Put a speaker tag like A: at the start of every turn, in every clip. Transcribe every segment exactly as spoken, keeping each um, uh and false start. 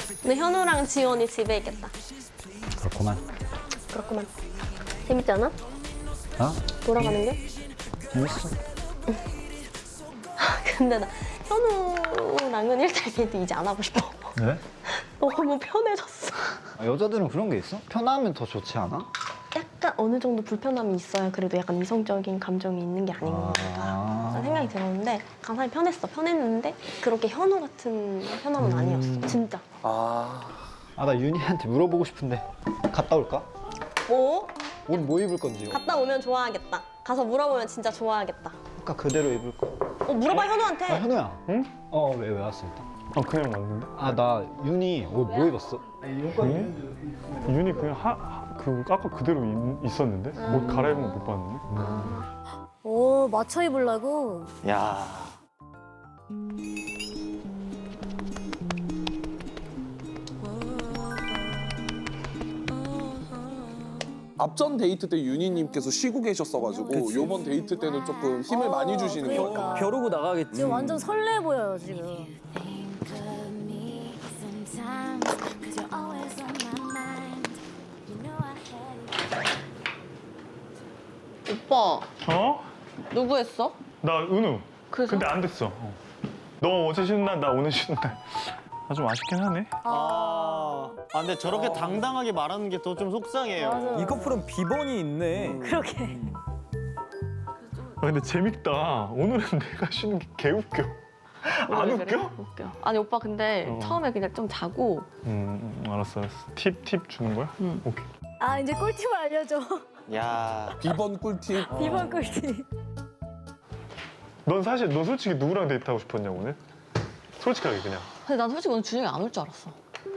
A: 근데 현우랑 지원이 집에 있겠다.
B: 그렇구만.
A: 그렇구만. 재밌잖아?
B: 어?
A: 돌아가는 게?
B: 재밌어.
A: 근데 나 현우랑은 일 대 데이트 이제 안 하고 싶어.
B: 왜?
A: 너무 편해졌어.
B: 아, 여자들은 그런 게 있어? 편하면 더 좋지 않아?
A: 약간 어느 정도 불편함이 있어야 그래도 약간 이성적인 감정이 있는 게 아닌가
B: 아.
A: 라는 생각이 들었는데 강산이 편했어. 편했는데 그렇게 현우 같은 편함은
B: 음.
A: 아니었어. 진짜.
C: 아,
B: 아, 나 윤희한테 물어보고 싶은데 갔다 올까?
A: 뭐?
B: 옷 뭐 입을 건지요?
A: 갔다 오면 좋아하겠다. 가서 물어보면 진짜 좋아하겠다.
B: 아까 그대로 입을 거야.
A: 어, 물어봐 현우한테.
B: 아, 현우야.
D: 응?
B: 어, 왜, 왜 왔어, 일단?
D: 아 그냥 왔는데?
B: 아, 나 윤희 옷 뭐 입었어?
D: 윤이? 윤이 그냥 하, 하, 그 아까 그대로 있, 있었는데? 옷 갈아입은 거 못 봤는데?
E: 오, 맞춰 입으려고?
C: 야. 앞전 데이트 때 윤희님께서 쉬고 계셨어가지고 요번 데이트 때는 조금 힘을 많이 주시는 거예요.
E: 그러니까.
C: 벼르고 나가겠지.
E: 지금 완전 설레 보여요, 지금.
F: Think of me sometimes, 'cause you're always on my mind. You know I had
A: 오빠
D: 어?
A: 누구 했어?
D: 나 은우.
A: 그래서?
D: 근데 안 됐어. 어. 너 어제 쉬는 날, 나 오늘 쉬는 날. 아 좀 아쉽긴 하네.
C: 아, 아 근데 저렇게 당당하게 말하는 게 더 좀 속상해요.
E: 맞아.
G: 이 커플은 비번이 있네.
E: 그렇게.
D: 아 근데 재밌다. 오늘은 내가 쉬는 게 개웃겨. 안
A: 왜
D: 웃겨?
A: 그래? 웃겨. 아니 오빠 근데
D: 어.
A: 처음에 그냥 좀 자고
D: 음, 음 알았어 알았어. 팁 팁 주는 거야?
A: 응.
D: 오케이.
E: 아, 이제 꿀팁을 알려줘.
C: 야,
G: 비번 꿀팁.
E: 이번 꿀팁.
D: 넌 사실 너 솔직히 누구랑 데이트하고 싶었냐고 오늘? 솔직하게 그냥.
A: 근데 난 솔직히 오늘 준영이 안 올 줄 알았어.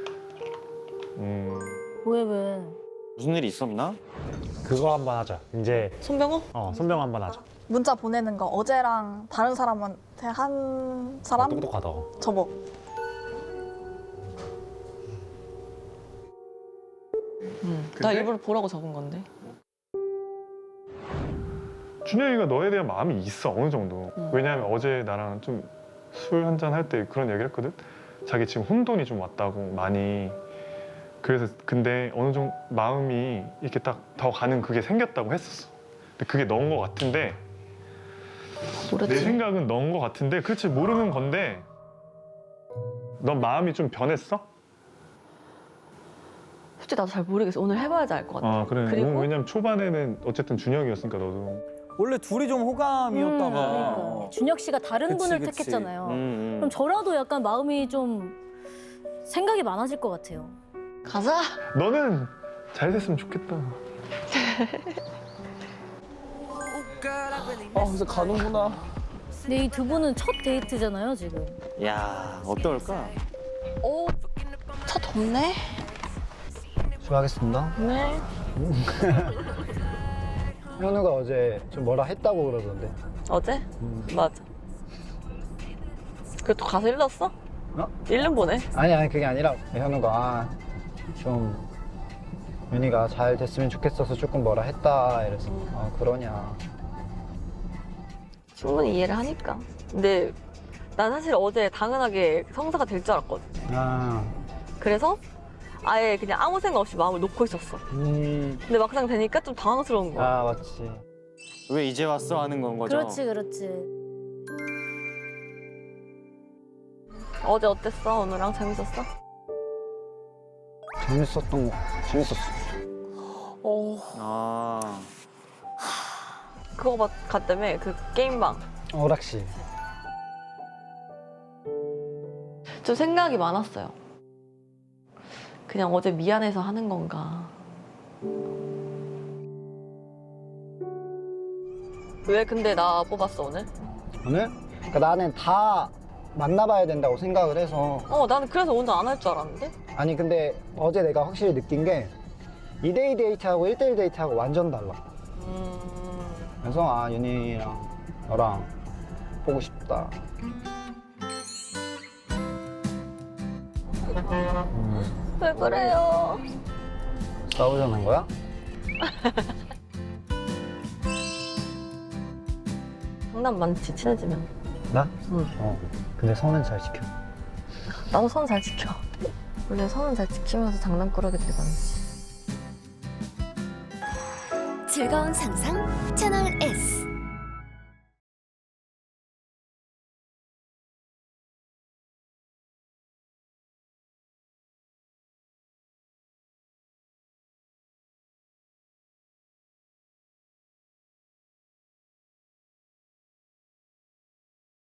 D: 음.
E: 왜, 왜?
C: 무슨 일이 있었나?
H: 그거 한번 하자. 이제
A: 손병호?
H: 어 손병 한번 하자.
I: 문자 보내는 거 어제랑 다른 사람한테 한 사람?
H: 똑똑하다.
I: 저거.
A: 응. 나
D: 근데?
A: 일부러 보라고 적은 건데.
D: 준영이가 너에 대한 마음이 있어 어느 정도.
A: 음.
D: 왜냐하면 어제 나랑 좀 술 한잔 할 때 그런 얘기를 했거든. 자기 지금 혼돈이 좀 왔다고 많이. 그래서 근데 어느 정도 마음이 이렇게 딱 더 가는 그게 생겼다고 했었어. 근데 그게 넣은 것 같은데 내
A: 모르지.
D: 생각은 넣은 것 같은데 그렇지 모르는 건데 넌 마음이 좀 변했어?
A: 솔직히 나도 잘 모르겠어. 오늘 해봐야지 알 것 같아.
D: 아 그래.
A: 그리고?
D: 왜냐면 초반에는 어쨌든 준영이었으니까 너도.
G: 원래 둘이 좀 호감이었다가.
E: 음, 그러니까. 준혁 씨가 다른
G: 그치,
E: 분을
G: 그치.
E: 택했잖아요.
C: 음, 음.
E: 그럼 저라도 약간 마음이 좀 생각이 많아질 것 같아요.
A: 가자.
D: 너는 잘 됐으면 좋겠다.
G: 아, 그래서 가는구나.
E: 근데 이 두 분은 첫 데이트잖아요, 지금.
C: 야, 어떨까?
A: 오, 차 덥네.
B: 수고하겠습니다.
A: 네.
B: 현우가 어제 좀 뭐라 했다고 그러던데.
A: 어제? 맞아. 그래도 가서 일렀어?
B: 어?
A: 일름 보내.
B: 아니, 아니, 그게 아니라 현우가 아, 좀 윤희가 잘 됐으면 좋겠어서 조금 뭐라 했다. 이래서 아, 그러냐.
A: 충분히 이해를 하니까. 근데 난 사실 어제 당연하게 성사가 될 줄 알았거든.
B: 아,
A: 그래서 아예 그냥 아무 생각 없이 마음을 놓고 있었어.
B: 음,
A: 근데 막상 되니까 좀 당황스러운 거야.
B: 아, 맞지.
C: 왜 이제 왔어 하는 건 거죠?
E: 그렇지, 그렇지.
A: 어제 어땠어? 오늘랑 재밌었어?
B: 재밌었던 거, 재밌었어.
C: 아,
A: 그거 봤- 갔다며? 그 게임방.
B: 오락실.
A: 좀 생각이 많았어요. 그냥 어제 미안해서 하는 건가. 왜 근데 나 뽑았어 오늘?
B: 오늘? 그러니까 나는 다 만나봐야 된다고 생각을 해서
A: 어 나는 그래서 오늘 안 할 줄 알았는데?
B: 아니 근데 어제 내가 확실히 느낀 게 이 대이 데이트하고 일 대일 데이트하고 완전 달라.
A: 음...
B: 그래서 아 윤희랑 너랑 보고 싶다.
A: 왜 그래요?
B: 싸우자는 거야?
A: 장난 많지 친해지면.
B: 나?
A: 응.
B: 어. 근데 선은 잘 지켜.
A: 나도 선 잘 지켜. 원래 선은 잘 지키면서 장난꾸러기들이 많지.
F: 즐거운 상상 채널 S.